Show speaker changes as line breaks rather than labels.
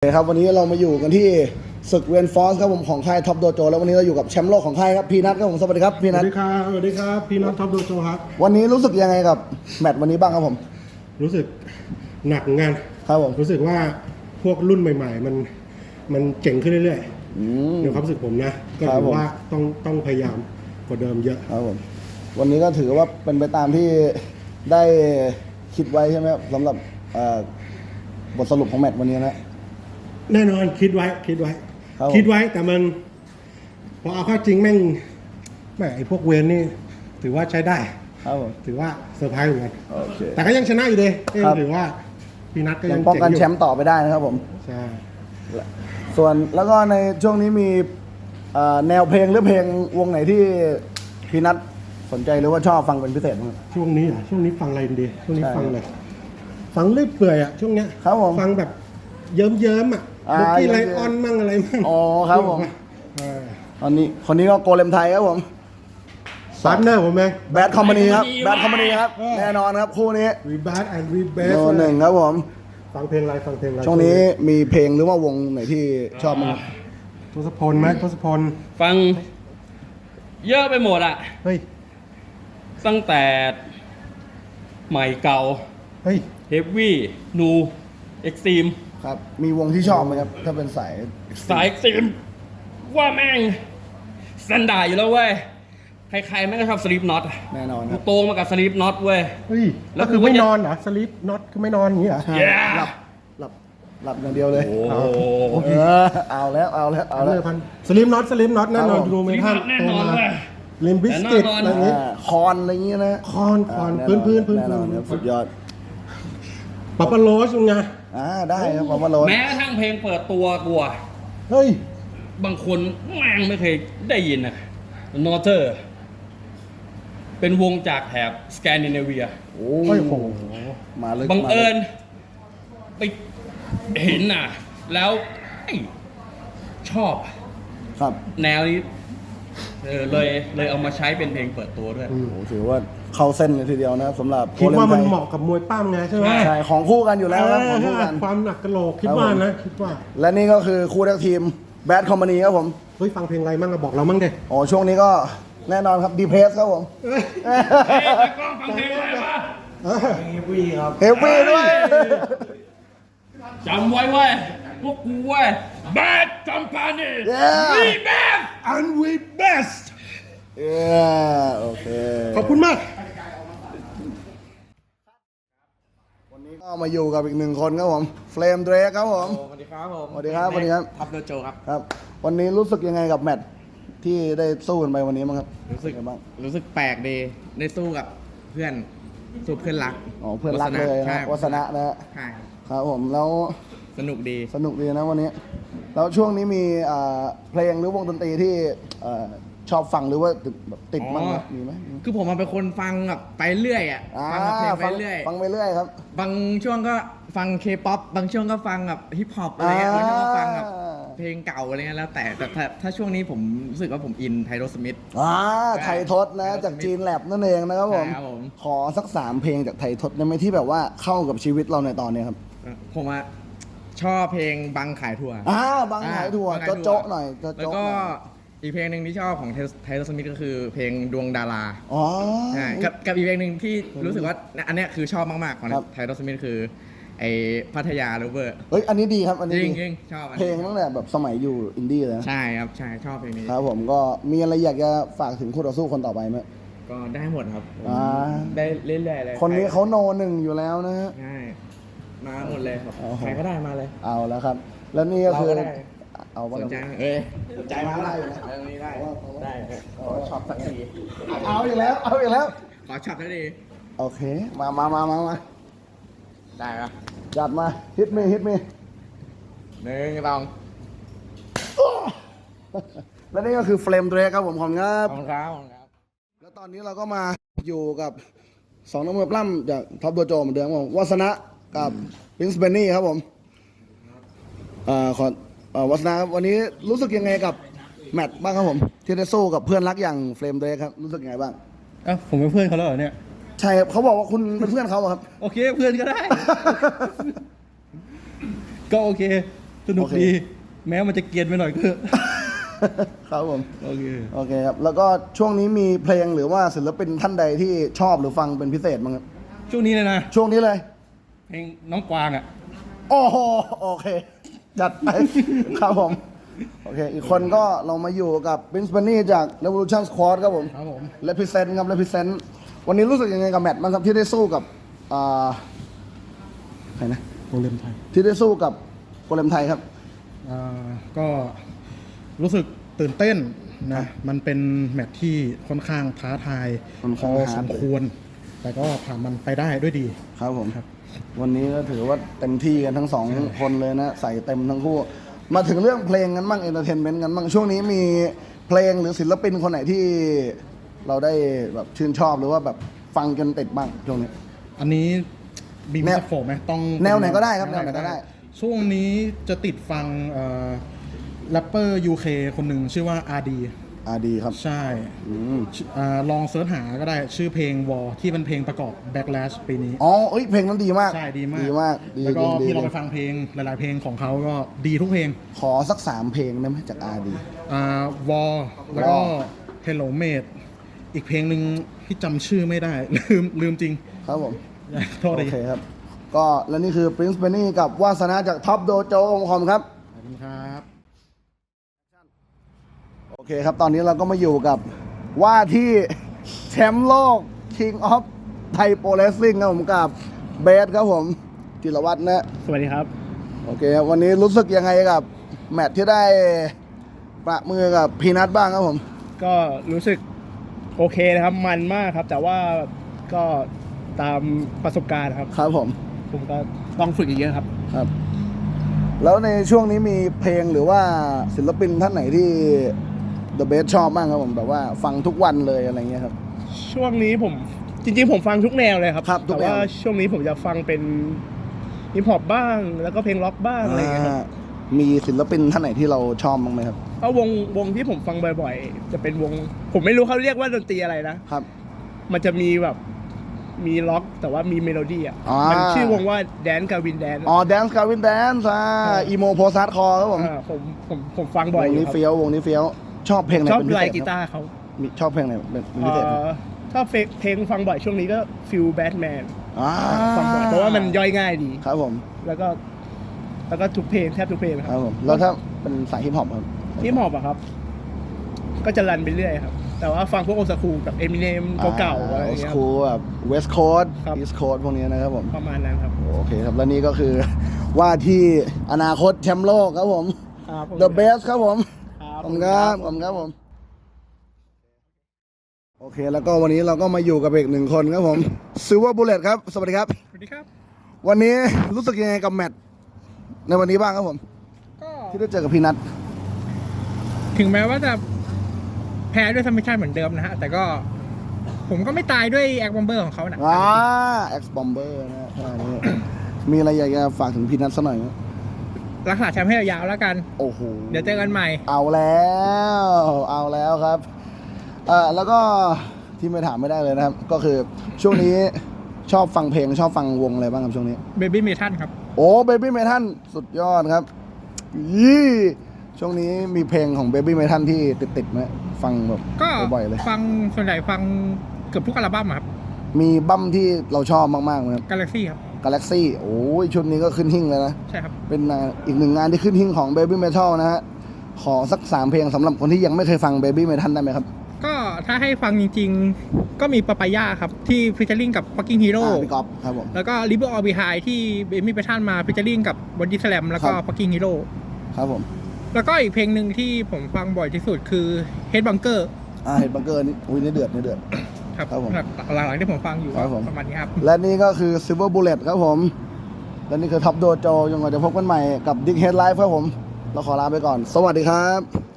ครับวันนี้เรามาอยู่กันที่ศึกเวนฟอร์สครับผมของค่ายท็อปโดโจแล้ววันนี้เราอยู่กับแชมป์โลกของค่ายครับพีนัทครับผมสวัสดีครับพี
ส
นั
วั
ท
สดีครับสวัสดีครับพี่น้องท็อปโดโจครับ
วันนี้รู้สึกยังไงกับแมตช์วันนี้บ้างครับผม
รู้สึกหนักงาน
ครับผม
รู้สึกว่าพวกรุ่นใหม่ๆมันเจ๋งขึ้นเรื่อยๆในความรู้สึกผมนะก็ถือว่าต้องพยายามกว่าเดิมเยอะ
ครับผมวันนี้ก็ถือว่าเป็นไปตามที่ได้คิดไว้ใช่ไหมครับสำหรับบทสรุปของแมตช์วันนี้นะ
แน่นอนคิดไว้แต่มันพอเอาเข้าจริงแม่งไอ้พวกเวนนี่ถือว่าใช้ได้
ครับผม
ถือว่าเซอร์ไพรส์เหมือนกัน
โอเค
แต่ก็ยังชนะอยู่ดีถือว่าพี่นัทก็
ยั
ยัง ง
ป้อง
เจ๋ง
กัน
อยู่
แชมป์ต่อไปได้นะครับผม
ใช่
ส่วนแล้วก็ในช่วงนี้มีแนวเพลงหรือเพลงวงไหนที่พีนัทสนใจหรือว่าชอบฟังเป็นพิเศษบ้างครับ
ช่วงนี้ฟังอะไรดีช่วงนี้ฟังอะไรฟังเรื่อยเปื่อยอ่ะช่วงเนี้ย
ครับผม
ฟังแบบเยิ้มๆอ่ะ บุกกี้ไลออนมั่งอะไรมั่ง
อ๋อครับผมตอนนี้คนนี้ก็โกเลมไทยครับผม
พาร์ทเนอร์ผมเอง
แบดคอมพานีครับแบดคอมพานีครับแน่นอนครับคู่นี้
รีบาร์แอนด์รีเบส
โนหนึ่งครับผม
ฟังเพลงอะไร
ช่วงนี้มีเพลงหรือว่าวงไหนที่ชอบมั้างครับ
ทศพลไหมทศพล
ฟังเยอะไปหมดอะ
เฮ้ย
ตั้งแต่ใหม่เก่า
เฮ้ย
เฮฟวี่นูเอ็กซ์ตรีม
ครับมีวงที่ชอบไหมครับถ้าเป็นสาย
สายเอ็กซ์ตรีมว่าแม่งสแตนดาร์ดอยู่แล้วเว้ย ใครๆแม่งก็ชอบสลีปน็อต
แน่นอนค
กู
รับ
โตมากับสลีปน็อตเว้ย
เฮ้ย
แล้
แล้ว
ว
คือ
คือ
ไม่
ว่าจะ
นอนเหรอสลิปน็อตคือไม่นอนอย่างนี้เหรอ
Yeah
หลับอย่างเดียวเลย
โอ้โห
เอาแล้ว
สลิปน็อตแน่นอน
ครับผม
ดู
ส
ไหม
ลีป
ท่า
น็
น
อตแน่
โต
นอน
มา
เว้ย
ลิมบิสกิต
แต่
อะไร
แน่นอน
อย่างนี้
คอนอะไรอย่างเงี้ยนะ
คอน
แน่
พื้น
แน่นอนครับสุดยอด
ปาปาโรสยังไง
ได้ครับผมว่าโรส
แม้กระทั่งเพลงเปิดตัวกูอะ
เฮ้ย
บางคนแม่งไม่เคยได้ยินอะนอเตอร์ เป็นวงจากแถบสแกนดิเนเวีย
โอ้
โอ้โห
มาเลย
บังเอิญไปเห็นน่ะ แล้วเอ้ยชอบ
ครับ
แนวนี้เลยเอามาใช้เป็นเพลงเปิดตัวด้วย
โอ้ถือว่าเข้าเส้นเลยทีเดียวนะครับสำหรับ
คิดว่ามัน
โกเลไทย
เหมาะกับมวยปั้มไงใช่ไหม
ใช่ของคู่กันอยู่แล้วครับของคู่กัน
ความหนักกระโหลกคิดว่านะคิดว่า
และนี่ก็คือคู่แท็กทีมแบดคอมพานีครับผม
เฮ้ยฟังเพลงอะไรมั่งอะบอกเรามั่งเด็
อ๋อช่วงนี้ก็แน่นอนครับดีเพสครับผม
เฮ้ยกล้องฟังเพลงอะไรวะ
เฮฟวี่ด้วย
จำไว้เว้ยพวกกูเว้ย Bad Company
Yeah
We Best
and we best
โอเค
ขอบคุณมาก
วันนี้ก็มาอยู่กับอีกหนึ่งคนครับผมเฟรมเดรกครับผม
สวัสดีครับผม
สวัสดีครับสวัสดีครับ
ท็อปโดโจครับ
ครับ วันนี้รู้สึกยังไงกับแมตช์ที่ได้สู้กันไปวันนี้บ้างครับ
รู้สึก
เป็นไงบ้าง
รู้สึกแปลกดีได้สู้กับเพื่อนสู้เพื่อนรัก
อ๋อเพื่อนรักเลย
ใช่
นะวัฒนะนะฮะ
ใช่
ครับผมแล้ว
สนุกดี
สนุกดีนะวันนี้ แล้วช่วงนี้มีเพลงหรือวงดนตรีที่ชอบฟังหรือว่าแบบติดมั้งไหมมีไหม
คือผมเป็นคนฟังแบบไปเรื่อยอ่ะฟังแบบเพลงไปเรื่อย
ฟังไปเรื่อยครับ
บางช่วงก็ฟังเคป๊อปบางช่วงก็ฟังแบบฮิปฮอปอะไรเงี้ยบางช่วงก็ฟังแบบเพลงเก่าอะไรเงี้ยแล้วแต่ถ้าช่วงนี้ผมรู้สึกว่าผมอินไทโรสมิธ
ไทยทศนะจากจีนแลบนั่นเองนะครับผม
ใช่ครับผม
ขอสัก3เพลงจากไทยทศได้ไหมที่แบบว่าเข้ากับชีวิตเราในตอนนี้ครับ
ผมอะชอบเพลงบังขายถั่ว
บางขายถั่ว
บังขายถั่ว
โจ๊ะๆหน่อยโจ๊ะๆ
แล้วก็
หน่อย
อีกเพลงหนึ่งที่ชอบของไทโรสมิธก็คือเพลงดวงดารา
อ๋อ
ใช่กับอีกเพลงหนึ่งที่รู้สึกว่าอันเนี้ยคือชอบมากๆของ
ครับ
ไทโรสมิธคือไอพัทยาโรเวอร์
เฮ้ยอันนี้ดีครับอันนี้
จริ
ดี
งจริงชอบอัน
เพล
นี้
งตั้งแต่แบบสมัยอยู่อินดี้เลยนะ
ใช่ครับใช่ชอบเพลงนี้
ครับผมก็มีอะไรอยากจะฝากถึงคู่ต่อสู้คนต่อไปไหม
ก็ได้หมดครับผม
อ่า
ได้เรื่อยๆเลย
คนนี้เขาโนหนึ่งอยู่แล้วนะฮะ
ใช่มาหมดเลยครับ
โอ้โห
ใครก็ได้มาเลย
เอาแล้วครับ แล้วนี่ก็คือ
เราก็ได้
เอาว่า
สนใจเอ้ย
ใจมาได้อยู่นะ
เอาตรงนี้ได้ได้ขอช็อปสักที
เอาอีกแล้วเอาอีกแล้ว
ขอช็อปสักที
โอเคมา
ได้ปะ
จัดมาฮิตมี
หนึ่งสอง
และนี่ก็คือเฟรมเดรครับผมขอบคุณครับ
ขอบคุณครับขอบคุณครับ
แล้วตอนนี้เราก็มาอยู่กับ2นักมวยปล้ำจากท็อปโดโจเหมือนเดิมครับผมวัฒนะกับลินส์เบนนี่ครับผมวัฒนะครับวันนี้รู้สึกยังไงกับแมตช์บ้างครับผมที่ได้สู้กับเพื่อนรักอย่างเฟรมเดรครับรู้สึกยังไงบ้าง
ผมเป็นเพื่อนเขาแล้วเหรอเนี่ย
ใช่ครับเขาบอกว่าคุณเป็นเพื่อนเขาอะครับ
โอเคเพื่อนก็ได้ ก็โอเค สสนุก
โอเค
ดี แม้มันจะเกรียนไปหน่อยก็เถอะ
ครับผม
โอเค
โอเคครับ แล้วก็ช่วงนี้มีเพลงหรือว่าศิลปินท่านใดที่ชอบหรือฟังเป็นพิเศษบ้างครับ
ช่วงนี้เลยนะ
ช่วงนี้เลย
เพลงน้องกวางอ่ะ
โอ้โห โอเค จัดไป ครับผม โอเค อีกคนก็เรามาอยู่กับ Prince Benny จาก Revolution Squad ครับผม
ครับผม
Represent ครับ Represent วันนี้รู้สึกยังไงกับแมตช์บ้างครับที่ได้สู้กับใครนะ
โรงเรียนไทย
ที่ได้สู้กับโกเลมไทยครับ
ก็รู้สึกตื่นเต้นนะ มันเป็นแมตช์ที่ค่อนข้างท้าทาย
ค่อน
พ
ข้าง
อ
ฮา
ส
ร์ด
มควร แต่ก็ผ่านมันไปได้ด้วยดี
ครับผม
ครับ
วันนี้ก็ถือว่าเต็มที่กันทั้งสองคนเลยนะ ใส่เต็มทั้งคู่ มาถึงเรื่องเพลงกันบ้างเอนเตอร์เทนเมนต์กันบ้างช่วงนี้มีเพลงหรือศิลปินคนไหนที่เราได้แบบชื่นชอบหรือว่าแบบฟังจนติดบ้างช่วงนี้
อันนี้มี
แน
มิ
ว
สโฟไหมต้อง
แนวไหนก็ได้ครับแนวไหนก็ได้
ช่วงนี้จะติดฟังแรปเปอร์ UK คนหนึ่งชื่อว่า RD
ดีครับ
ใช่
อืม
ลองเสิร์ชหาก็ได้ชื่อเพลง War ที่เป็นเพลงประกอบ Backlash ปีนี้
อ๋อเอ้ยเพลงนั้นดีมาก
ใช่ดีมาก
ดีมากดี
แล้วก็
ดี
พี่ลอง
ดี
ไปฟังเพลงหลาย ๆ เพลงของเขาก็ดีทุกเพลง
ขอสัก3เพลงได้ไหมจากดี
War แล้วก็
War
Hello Mate อีกเพลงหนึ่งที่จำชื่อไม่ได้ ลืมจริง
ครับผม
โทษ
โอ
ดี
เคครับ ก็และนี่คือ Prince Benny กับวาสนาจากท็อปโดโจองคอมครับ
ขอบคุณครับ
โอเคครับ ตอนนี้เราก็มาอยู่กับว่าที่แชมป์โลก King of Thai Pro Wrestling ครับผมกับเบสครับผมจิรวัฒน์นะ
สวัสดีครับ
โอเคครับวันนี้รู้สึกยังไงกับแมตช์ที่ได้ประมือกับพีนัทบ้างครับผม
ก็รู้สึกโอเคนะครับ มันมากครับ แต่ว่าก็ตามประสบการณ์ครับ
ครับผม
ผมก็ต้องฝึกอีกเยอะครับ
ครับ แล้วในช่วงนี้มีเพลงหรือว่าศิลปินท่านไหนที่ The Best ชอบบ้างครับผมแบบว่าฟังทุกวันเลยอะไรเงี้ยครับ
ช่วงนี้ผมจริงๆผมฟังทุกแนวเลยครับ
ครับทุก
แต่
แนว
ว่าช่วงนี้ผมจะฟังเป็นฮิปฮอปบ้าง แล้วก็เพลงล็อกบ้างอะไรอย่างเงี้ยครับ
มีศิลปินท่านไหนที่เราชอบบ้างไหมครับ
ก็วงที่ผมฟังบ่อยๆ จะเป็นวง ผมไม่รู้เขาเรียกว่าดนตรีอะไรนะ
ครับ
มันจะมีแบบมีล็อกแต่ว่ามีเมโลดี้อ่ะ
อ่ามั
มันชื่อวงว่าแดนกาวินแดน
อ๋อ Dance Gavin Dance อีโมโพสาร์ดคอครับผม
ผมฟังบ่อยว
ง
อยู่
นี้
ครับ
เฟี้ยววงนี้เฟี้ยวชอบเพลงไหน
ชอบ
เป็นพิ
ไล
เศษ
น์กี
ครับ
ตาร์เขา
มีชอบเพลงไหนเป็นพิเศษครับ
ชอบเพลงฟังบ่อยช่วงนี้ก็ฟิลแบทแมน
อ่า
ฟังบ่อยเพราะว่ามันย่อยง่ายดี
ครับผม
แล้วก็ทุกเพลงแทบทุกเพลงค
ครั
รั
บบ ผมแล้วถ้าเป็นสายฮิปฮอปครับ
ที่หมอบอะครับ ก็จะรันไปเรื่อยครับ แต่ว่าฟังพวกโอซาคูแบบเอมิเนมเก่าๆอะไรอย่างเงี้ย
คูแบบเวสต์โคสต์
ครับ
อีสต์โคสต์พวกนี้นะครับผม
ประมาณนั้นครับ
โอเคครับ แล้วนี่ก็คือ ว่าที่อนาคตแชมป์โลกครับผม
ครับ
The Best ครับผม
ครับ
ขอบคุณครับขอบคุณครับผม โอเค แล้วก็วันนี้เราก็มาอยู่กับอีกหนึ่งคนครับผม Silver Bullet ครับ สวัสดีครับ
สวัสดีครับ
วันนี้รู้สึกยังไงกับแมตช์ในวันนี้บ้างครับผม
ก็
ที่ได้เจอกับพี่นัท
ถึงแม้ว่าจะแพ้ด้วยซัมมิชชั่นเหมือนเดิมนะฮะ แต่ก็ผมก็ไม่ตายด้วยแอคบอมเบอร์ของเขานะ
X Bomber นะอันนี้ มีอะไรอยากจะฝากถึงพี่นัทสักหน่อยไหม
รักษาแชมป์ให้ยาวๆแล้วกัน
โอ้โห
เดี๋ยวเจอกันใหม่
เอาแล้วครับแล้วก็ที่ไม่ถามไม่ได้เลยนะครับ ก็คือช่วงนี้ชอบฟังเพลงชอบฟังวงอะไรบ้างครับช่วงนี้
เบบี้เมทัลครับ
โอ้ Baby Metal สุดยอดครับยี่ช่วงนี้มีเพลงของ Baby Metal ที่ติดๆไหมฟังแบบ
ก็
บ่อยๆเลย
ฟังส่วนใหญ่ฟังเกือบทุกอัลบั้มอะครับ
มีบั้มที่เราชอบมากๆไหมครับ
กาแล็กซี่ครับ
Galaxy โอ้ยชุดนี้ก็ขึ้นหิ้งเลยนะ
ใช่ครับ
เป็นอีกหนึ่งงานที่ขึ้นหิ้งของ Baby Metal นะฮะ ขอสัก3เพลงสำหรับคนที่ยังไม่เคยฟัง Baby Metal ได้ไหมครับ
ก็ถ้าให้ฟังจริงๆ ก็มีปาปายาครับ ที่ฟิชเชอร์ลิงกับ Fucking Hero
พี่ก๊อฟครับผม
แล้วก็ River All Behind ที่เบมี่เมทัลมาฟิชเชอร์ลิงกับ Body Slam แล้วก็
ครับ
Fucking Hero
ครับผม
แล้วก็อีกเพลงหนึ่งที่ผมฟังบ่อยที่สุดคือ Head Bunker
เห็นบังเกอร์นี่อุ้ยนี่เดือด
ครับ
ครับผม
หลังๆที่ผมฟังอยู่
ครับผม
ประมาณนี้ครับ
และนี่ก็คือ Silver Bullet ครับผม และนี่คือ Top Dojo ยังไงจะพบกันใหม่กับ Dick Head Live ครับผม เราขอลาไปก่อน สวัสดีครับ